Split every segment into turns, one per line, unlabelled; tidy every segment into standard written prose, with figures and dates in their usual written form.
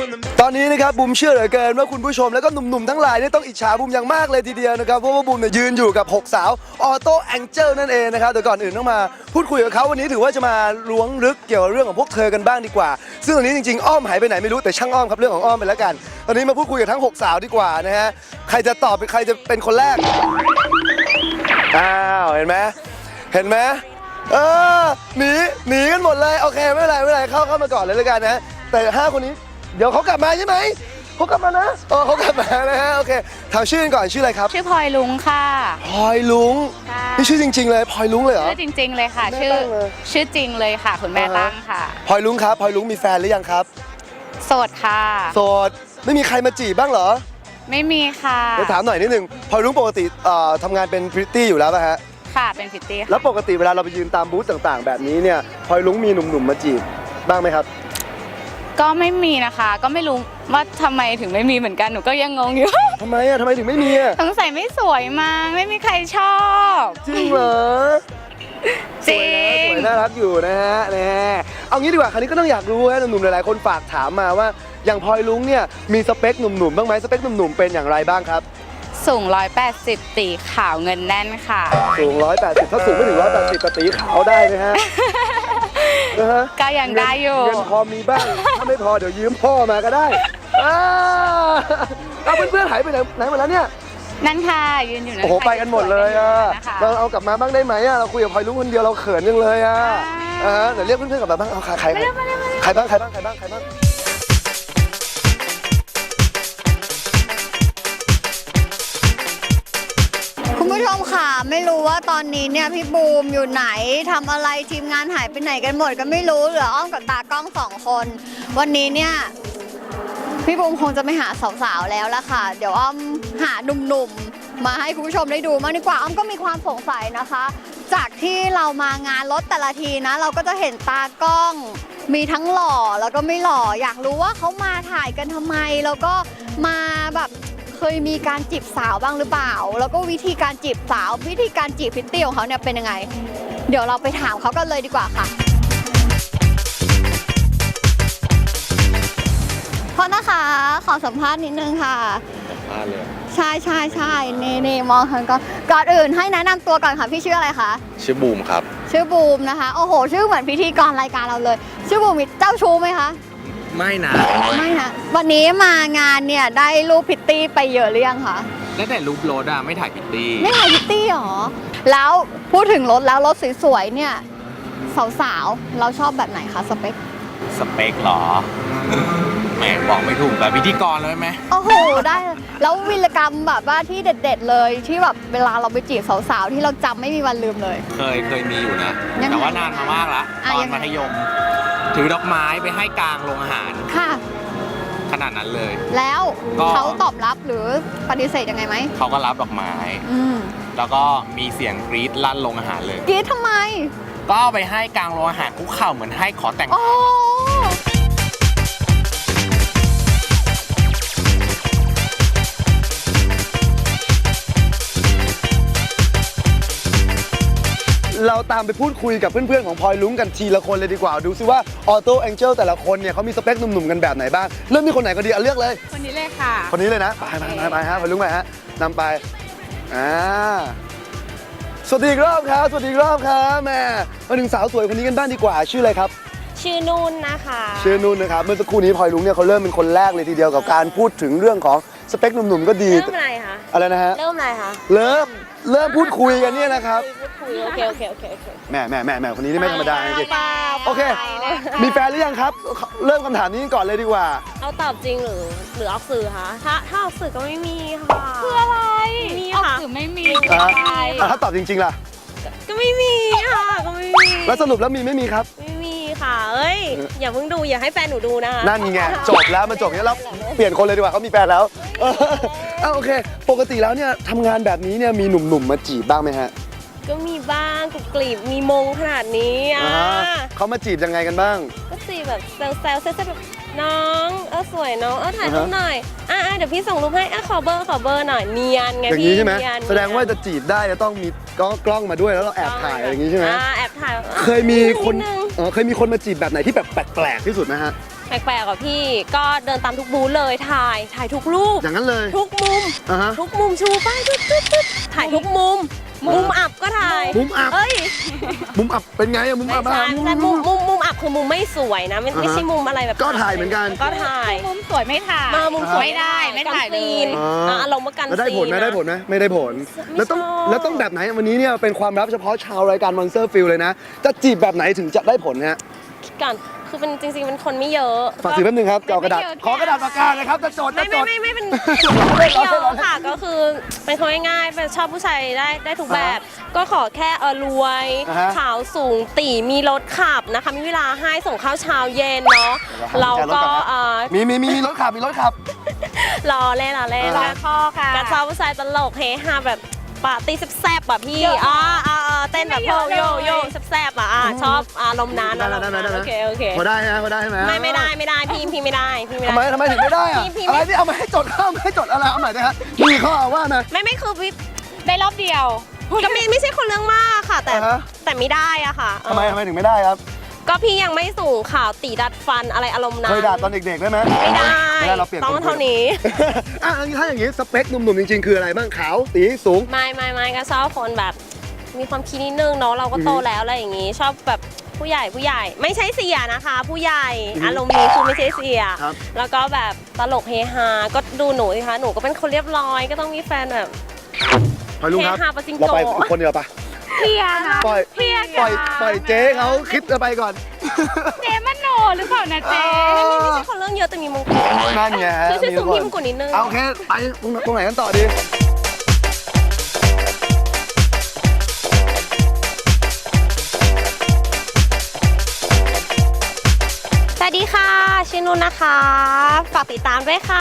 ตอนนี้นะครับบูมเชื่อเหลือเกินว่าคุณผู้ชมแล้วก็หนุ่มๆทั้งหลายเนี่ยต้องอิจฉาบูมอย่างมากเลยทีเดียวนะครับเพราะว่าบูมเนี่ยยืนอยู่กับ6สาวออโต้แองเจิลนั่นเองนะครับแต่ก่อนอื่นต้องมาพูดคุยกับเขาวันนี้ถือว่าจะมาล้วงลึกเกี่ยวกับเรื่องของพวกเธอกันบ้างดีกว่าซึ่งตอนนี้จริงๆอ้อมหายไปไหนไม่รู้แต่ช่างอ้อมครับเรื่องของอ้อมไปแล้วกันตอนนี้มาพูดคุยกับทั้ง6สาวดีกว่านะฮะใครจะตอบใครจะเป็นคนแรกอ้าวเห็นไหมหนีกันหมดเลยโอเคไม่เป็นไรเข้ามาก่อนเลยแล้วกันนะแต่5คนนี้เดี๋ยวเขากลับมาใช่ไหมเขากลับมานะเขากลับมานะฮะโอเคถามชื่อกันก่อนชื่ออะไรครับ
ชื่อพลอยลุงค่ะ
พลอยลุงนี่ชื่อจริงๆเลยพลอยลุงเลยเหรอ
ชื่อจริงๆเลยค่ะชื่อจริงเลยค่ะคุณแม่ตั้งค่ะ
พลอยลุงครับพลอยลุงมีแฟนหรือยังครับ
โสดค่ะ
โสดไม่มีใครมาจีบบ้างเหรอ
ไม่มีค่ะ
เดี๋ยวถามหน่อยนิดนึงพลอยลุงปกติทำงานเป็นพริตตี้อยู่แล้วป่ะฮะ
ค่ะเป็นพริตตี้
แล้วปกติเวลาเราไปยืนตามบูธต่างๆแบบนี้เนี่ยพลอยลุงมีหนุ่มๆมาจีบบ้างไหมครับ
ก็ไม่มีนะคะก็ไม่รู้ว่าทำไมถึงไม่มีเหมือนกันหนูก็ยังงงอยู่
ทำไมถึงไม่มี
สงสัยไม่สวยมั้งไม่มีใครชอบ
จริงเหรอ
จริง
สวยน่ารักอยู่นะฮะเอางี้ดีกว่าคราวนี้ก็ต้องอยากรู้ฮะหนุ่มๆหลายๆคนฝากถามมาว่าอย่างพลอยลุงเนี่ยมีสเปคหนุ่มๆบ้างไหมสเปคหนุ่มๆเป็นอย่างไรบ้างครับ
สูง180ตีขาวเงินแน่นค่ะ
สูง180ถ้าสูงไม่ถึง180ก็ตีขาวได้ไหมฮะ
ก็ยังได้อยู่
เงินพอมีบ้างถ้าไม่พอเดี๋ยวยืมพ่อมาก็ได้เอาเพื่อนๆหายไปไหนหมดแล้วเนี่ย
นั่นค่ะยืนอยู่นั่น
โอ้โหไปกันหมดเลยเราเอากลับมาบ้างได้ไหมเราคุยกับพลอยลุงคนเดียวเราเขินยังเลยเดี๋ยวเรียกเพื่อนๆกลับมาบ้างเอาใครบ้าง
คุณผู้ชมค่ะไม่รู้ว่าตอนนี้เนี่ยพี่บูมอยู่ไหนทำอะไรทีมงานหายไปไหนกันหมดก็ไม่รู้เหลืออ้อมกับตากล้อง2คนวันนี้เนี่ยพี่บูมคงจะไม่หาสาวๆแล้วละค่ะเดี๋ยวอ้อมหาหนุ่มๆมาให้คุณผู้ชมได้ดูมากดีกว่าอ้อมก็มีความสงสัยนะคะจากที่เรามางานรถแต่ละทีนะเราก็จะเห็นตากล้องมีทั้งหล่อแล้วก็ไม่หล่ออยากรู้ว่าเขามาถ่ายกันทำไมแล้วก็มาแบบเคยมีการจีบสาวบ้างหรือเปล่าแล้วก็วิธีการจีบสาววิธีการจีบพริตตี้ของเขาเนี่ยเป็นยังไงเดี๋ยวเราไปถามเขากันเลยดีกว่าค่ะพอนะคะขอสัมภาษณ์นิดนึงค่ะ
สัมภาษณ์เลย
ใช่นี่มองทางก่อนอื่นให้แนะนำตัวก่อนค่ะพี่ชื่ออะไรคะ
ชื่อบูมครับ
ชื่อบูมนะคะโอ้โหชื่อเหมือนพิธีกรรายการเราเลยชื่อบูมมีเจ้าชู้ไหมคะ
ไม่นะ
วันนี้มางานเนี่ยได้รูปพิตตี้ไปเยอะหรือยังคะ
แล้วแต่รูปรถไม่ถ่ายพิตตี้
ไม่ถ่ายพิตตี้หรอแล้วพูดถึงรถแล้วรถสวยๆเนี่ยสาวๆเราชอบแบบไหนคะสเปค
หรอแหมบอกไม่ถูกแบบพิธีกรเลยไหม
โอ้โหได้แล้ววีรกรรมแบบว่าที่เด็ดๆเลยที่แบบเวลาเราไปจีบสาวๆที่เราจำไม่มีวันลืมเลย
เคยมีอยู่นะแต่ว่านานมามากละตอนมัธยมถือดอกไม้ไปให้กลางโรงอาหาร
ค่ะ
ขนาดนั้นเลย
แล้วเขาตอบรับหรือปฏิเสธยังไงไหม
เขาก็รับดอกไม้แล้วก็มีเสียงกรี๊ดลั่นโรงอาหารเลย
กรี๊ดทำไม
ก็ไปให้กลางโรงอาหารคุกเข่าเหมือนให้ขอแต่งงาน
เราตามไปพูดคุยกับเพื่อนๆของพลอยลุงกันทีละคนเลยดีกว่าดูซิว่าออโต้แองเจิลแต่ละคนเนี่ยเขามีสเปคหนุ่มๆกันแบบไหนบ้างเริ่มที่คนไหนก็ดีเลือกเลย
คนนี้เลยค่ะ
คนนี้เลยนะไปฮะพลอยลุงไปฮะนำไปสวัสดีอีกรอบครับแม่มาถึงสาวสวยคนนี้กันบ้างดีกว่าชื่ออะไรครับ
ชื่อนุ่นนะคะ
เมื่อสักครู่นี้พลอยลุงเนี่ยเขาเริ่มเป็นคนแรกเลยทีเดียวกับการพูดถึงเรื่องของสเปคหนุ่มๆก็ดี
เริ่มอะไรคะ
อะไรนะฮะ
เริ่มอะไรคะ
เริ่มพูดคุยกันเนี่ยนะครับ
โอเค
แม่คนนี้นี่ไม่ธรรมดาจริงโอเคมีแฟนหรือยังครับเริ่มคำถามนี้ก่อนเลยดีกว่า
เอาตอบจริงหรือออกสื่อคะถ้าออกสื่อก็ไม่มีค่ะ
คืออะไร
มี
ค่ะ
ออก
สื่อไม่มี
ถ้าตอบจริงๆล่ะ
ก็ไม่มีค่ะก็ไม่มี
แล้วสรุปแล้วมีไม่มีครับ
ไม่มีค่ะอย่าเพิ่งดูอย่าให้แฟนหนูดูนะคะ
นั่นไงจบแล้วมันจบอย่างนี้แล้วเปลี่ยนคนเลยดีกว่าเขามีแฟนแล้วโอเคปกติแล้วเนี่ยทำงานแบบนี้เนี่ยมีหนุ่มๆมาจีบบ้างไหมฮะ
ก็มีบ้างกุกลีบมีมงขนาดนี้
เขามาจีบยังไงกันบ้าง
ก็จีบแบบแซวแบบน้องสวยน้องถ่ายรูปหน่อยเดี๋ยวพี่ส่งรูปให้ขอเบอร์หน่อยเนียนไง
พี่อย่างนี้ใช่ไหมแสดงว่าจะจีบได้จะต้องมีกล้องมาด้วยแล้วเราแอบถ่ายอย่างนี้ใช่ไหม
แอบถ่าย
เคยมีคนมาจีบแบบไหนที่แบบแปลกๆที่สุดไหมฮะ
แปลกๆอ่ะพี่ก็เดินตามทุกบูธเลยถ่ายทุกรูป
อย่างนั้นเลย
ทุกมุม
อ่าฮะ
ทุกมุมชูป้ายตึ๊ดถ่ายทุกมุมอับก็ถ่าย
มุมอับ
เอ้ย
มุมอับเป็นไงอะมุม
ไม่
อับ
ใช่
อะ
ไม่ใช่มุมอับคือมุมไม่สวยนะไม่
อ่าฮะ
ไม่ใช่มุมอะไรแบบ
ก็ถ่ายเหมือนกัน
ก็ถ่าย
มุมสวยไม่ถ่าย
มามุมสวย
ไม่ได้ไม่ถ่ายเลย
กันซีนอารมณ์ว่ากัน
แล้วได้ผลไหม
ซีนนะ
ได้ผลไหมไม่ได้ผล แล้วต้อง
ชอบ
แล้วต้องแบบไหนวันนี้เนี่ยเป็นความลับเฉพาะชาวรายการ Monster Feel เลยนะ จะจีบแบบไหนถึงจะได้ผลฮะ
ก่อนคือเป็นจริงๆเป็นคนไม่เยอะ
ฝากถือแป๊บนึงครับเอากระดาษ
ไม่เยอะ
ขอกระดาษปากกาเลยครับจะจดจะจด
ไม่เป็นไม่เยอะค่ะก็คือเป็นคนง่ายๆเป็นชอบผู้ชายได้ทุกแบบ ก็ขอแค่รวย
อ่าฮะ
ขาวสูงตีมีรถขับนะคะมีเวลาให้ส่งข้าวเช้าเย็นเนาะเราก็
มีรถขับมีรถขับ
รอเล่น
อ่า
รักพ่อค่ะ
กระเช้าผู้ชายตลกเฮฮาแบบปาร์ตี้แซ่บๆแบบพี่เต้นแบบโยแซ่บๆชอบอารมณ์นั้น
ได้
โอเค
พอได้ฮะพอได้ไหม
ไม่ได้พี่ไม่ได้
ทำไมถึงไม่ได้อะ
พี่
อะไรที่เอามาให้จดข้าวมาให้จดอะไรเอาใหม่นะฮะมีข้อว่ามา
ไม่คือพี่
ได้รอบเดียว
ก็ไม่ใช่คนเรื่องมากค่ะ
อ่าฮะ
แต่ไม่ได้อะค่ะ
ทำไมถึงไม่ได้ครับ
ก็พี่ยังไม่สูงข่าวตีดัดฟันอะไรอารมณ์นั้น
เคยด่าตอนเด็กๆได้ไหม
ไม่ได้
เราเปลี่ยน
ต้องเท่านี้
อ่ะถ้าอย่างนี้สเปคหนุ่มๆจริงๆคืออะไรบ้างขาวตีสูง
ไม่ก็ชอบคนแบบมีความคิดนิดนึงเนาะเราก็โตแล้วอะไรอย่างงี้ ชอบแบบผู้ใหญ่ไม่ใช่เสียนะคะ ผู้ใหญ่อารมณ์นี้คือไม่ใช่เสีย
ครับ
แล้วก็แบบตลกเฮฮาก็ดูหนูสิคะหนูก็เป็นคนเรียบร้อยก็ต้องมีแฟนแบบ
พอยลุงครับ
เฮฮาปะจิงโก
เราไปคนเดียวปะ
เพียนะ
ปล่อย
เพีย
ปล่อยเจ๊เขาคิดจะไปก่อน
เจมันโนหรือเปล่านะเจ
ไม่ใช่คนเรื่องเยอะแต่มีมงกุฎ
นั่นไง
ช่วยส่งพี่มงกุฎนิดนึง
เอาโอเคไปตรงไหนกันต่อดี
สวัสดีค่ะชื่อนุ่นนะคะฝากติดตามด้วยค่ะ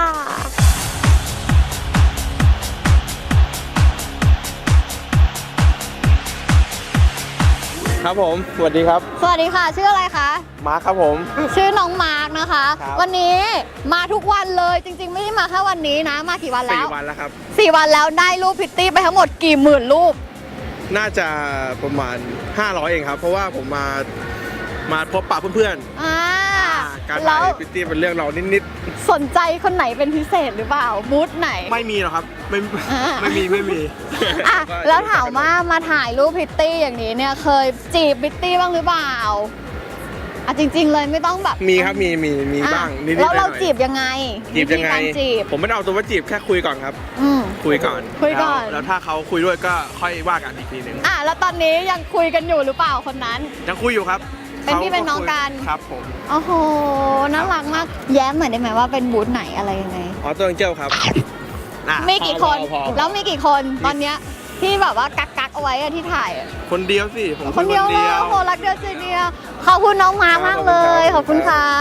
ครับผมสวัสดีครับ
สวัสดีค่ะ ชื่ออะไรคะ
มาร์คครับผม
ชื่อน้องมาร์กนะคะ
ครับ
วันนี้มาทุกวันเลยจริงๆ ไม่ได้มาแค่วันนี้นะ มากี่วันแล้ว
4 วันแล้วครับ
4 วันแล้วได้รูปพิตตี้ไปทั้งหมดกี่หมื่นรูป
น่าจะประมาณ 500 เองครับ เพราะว่าผมมาพบปะเพื่อน
อ่า
ๆ การ
แล้
ถ่ายว พิตตี้เป็นเรื่องเรานิด
สนใจคนไหนเป็นพิเศษหรือเปล่าบูธไหน
ๆ ไม่มีหรอกครับ ไม่
อ่า
ไม่มี
อ่ะแล้วถามว่ามาถ่ายรูปพิตตี้อย่างนี้เนี่ยเคยจีบพิตตี้บ้างหรือเปล่าอ่ะจริง ๆ เลยไม่ต้องแบบ
มีครับมี
อ่ะ
บ้างนิดๆห
แล้ว
น่
เรา
อย
จีบยังไง
ๆจีบยังไง
วิธีการจีบ
ผมไม่ได้เอาตัวว่าจีบแค่คุยก่อนครับ
อืม
คุยก่อน
คุยก่อน
แล้วถ้าเขาคุยด้วยก็ค่อยว่ากันอีกทีหนึ่ง
อ่ะแล้วตอนนี้ยังคุยกันอยู่หรือเปล่าคนนั้น
ยังคุยอยู่ครับ
เป็นพี่เป็นน้องกัน
ครับผม
โอ้โห น่ารักมาก แย้มหน่อยได้ไหมว่าเป็นบูธไหนอะไรยังไง
ออโต้เจลครับอ่ะ
มีกี่คน
พอ
แล้วมีกี่คนตอนเนี้ยที่แบบว่ากักเอาไว้อะที่ถ่ายอะ
คนเดียวสิผม
คนเดียวเลยโอ้โหรักเดียวใจเดียวขอบคุณน้องมาร์คมากเลย ขอบคุณครับ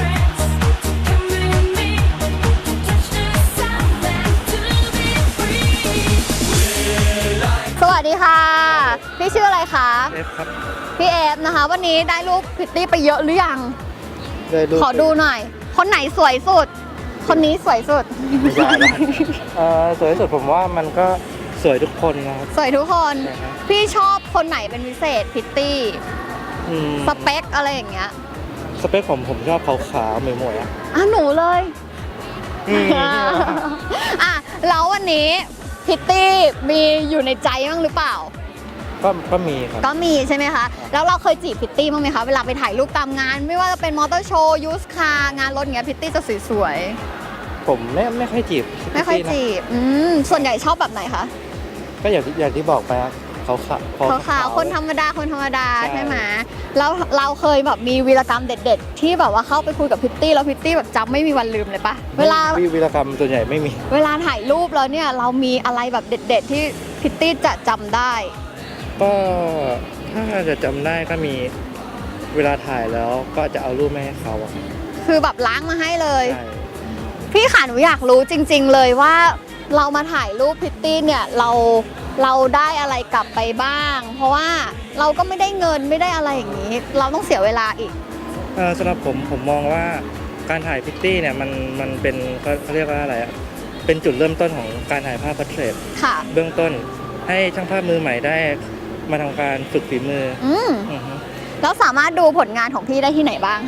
สวัสดีค่ะ พี่ชื่ออะไรคะ
เอฟครับ
พี่เอฟนะคะ วันนี้ได้รูปพิตตี้ไปเยอะหรือยัง
ได้รูป
ขอดูหน่อย คนไหนสวยสุด คนนี้สวยสุด
ไม่ใช่ละ
สวยที่สุดผมว่ามันก็สวยทุกคนนะครับ
สวยทุกคน
ใช่ครับ
พี่ชอบคนไหนเป็นพิเศษพิตตี้
อืม
สเปคอะไรอย่างเงี้ย
สเปคผมชอบขาวๆหมวยๆอ่ะ
อ่ะหนูเลย
อืม
อ่ะแล้ววันนี้พิตตี้มีอยู่ในใจบ้างหรือเปล่า
ก็มีครับ
ก็มีใช่ไหมคะ แล้วเราเคยจีบพิตตี้บ้างไหมคะ เวลาไปถ่ายรูปตามงาน ไม่ว่าจะเป็นมอเตอร์โชว์ยูสคาร์งานรถอย่างเงี้ยพิตตี้จะสวย
ผมไม่ค่อยจีบ
ๆ ไม่ค่อย
นะ
จีบส่วนใหญ่ชอบแบบไหนคะ
ก็อย่างที่บอกไปครับขาวๆ
คนธรรมดา
ใช่
ใช่ไหมแล้วเราเคยแบบมีวีรกรรมเด็ด ๆ ที่แบบว่าเข้าไปคุยกับพิตตี้แล้วพิตตี้แบบจำไม่มีวันลืมเลยปะเวลา
วีรกรรมส่วนใหญ่ไม่มี
เวลาถ่ายรูปแล้วเนี่ยเรามีอะไรแบบเด็ด ๆ ที่พิตตี้จะจำได้
ก็ถ้าจะจำได้ก็มีเวลาถ่ายแล้วก็จะเอารูปมาให้เขาอะ
คือแบบล้างมาให้เลย
ใช่
พี่ขาหนูอยากรู้จริง ๆ เลยว่าเรามาถ่ายรูปพิตตี้เนี่ยเราได้อะไรกลับไปบ้าง เพราะว่าเราก็ไม่ได้เงินไม่ได้อะไรอย่างนี้ เราต้องเสียเวลาอีก
สำหรับผมมองว่าการถ่ายพิตตี้เนี่ยมันเป็นเขาเรียกว่าอะไรอะเป็นจุดเริ่มต้นของการถ่ายภาพพอร์เทรต
ค่ะ
เบื้องต้นให้ช่างภาพมือใหม่ได้มาทำการฝึกฝีมือ
อืม
อือฮึ
แล้วสามารถดูผลงานของพี่ได้ที่ไหนบ้างคะ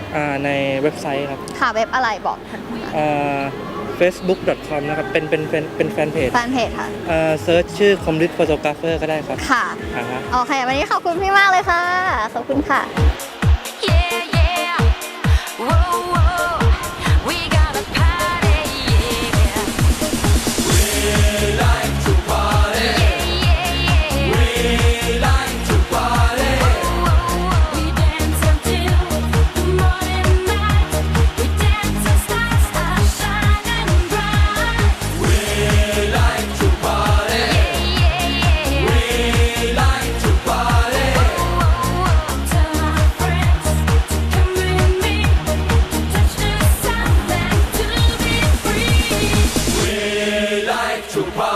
ในเว็บไซต์ครับ
ค่ะเว็บอะไรบอก
facebook.com นะครับเป็นแฟนเพจ
แฟนเพจค่ะ
เซิร์ชชื่อคอมลิทโฟโตกราฟเฟอร์ก็ได้ครับ
ค่ะ
อ่าฮะ
โอเค วันนี้ขอบคุณพี่มากเลยค่ะ ขอบคุณค่ะ
Yeah, yeah. Whoa, whoa. We gotta party, yeah. We like to party. Yeah, yeah, yeah. We like to party. Whoa, whoa, whoa. We dance until the morning light. We dance as stars are shining bright. We like to party. Yeah, yeah, yeah. We like to party. Whoa, whoa, whoa. Tell my friends to come with me. Touch the sound and to be free. We like to party.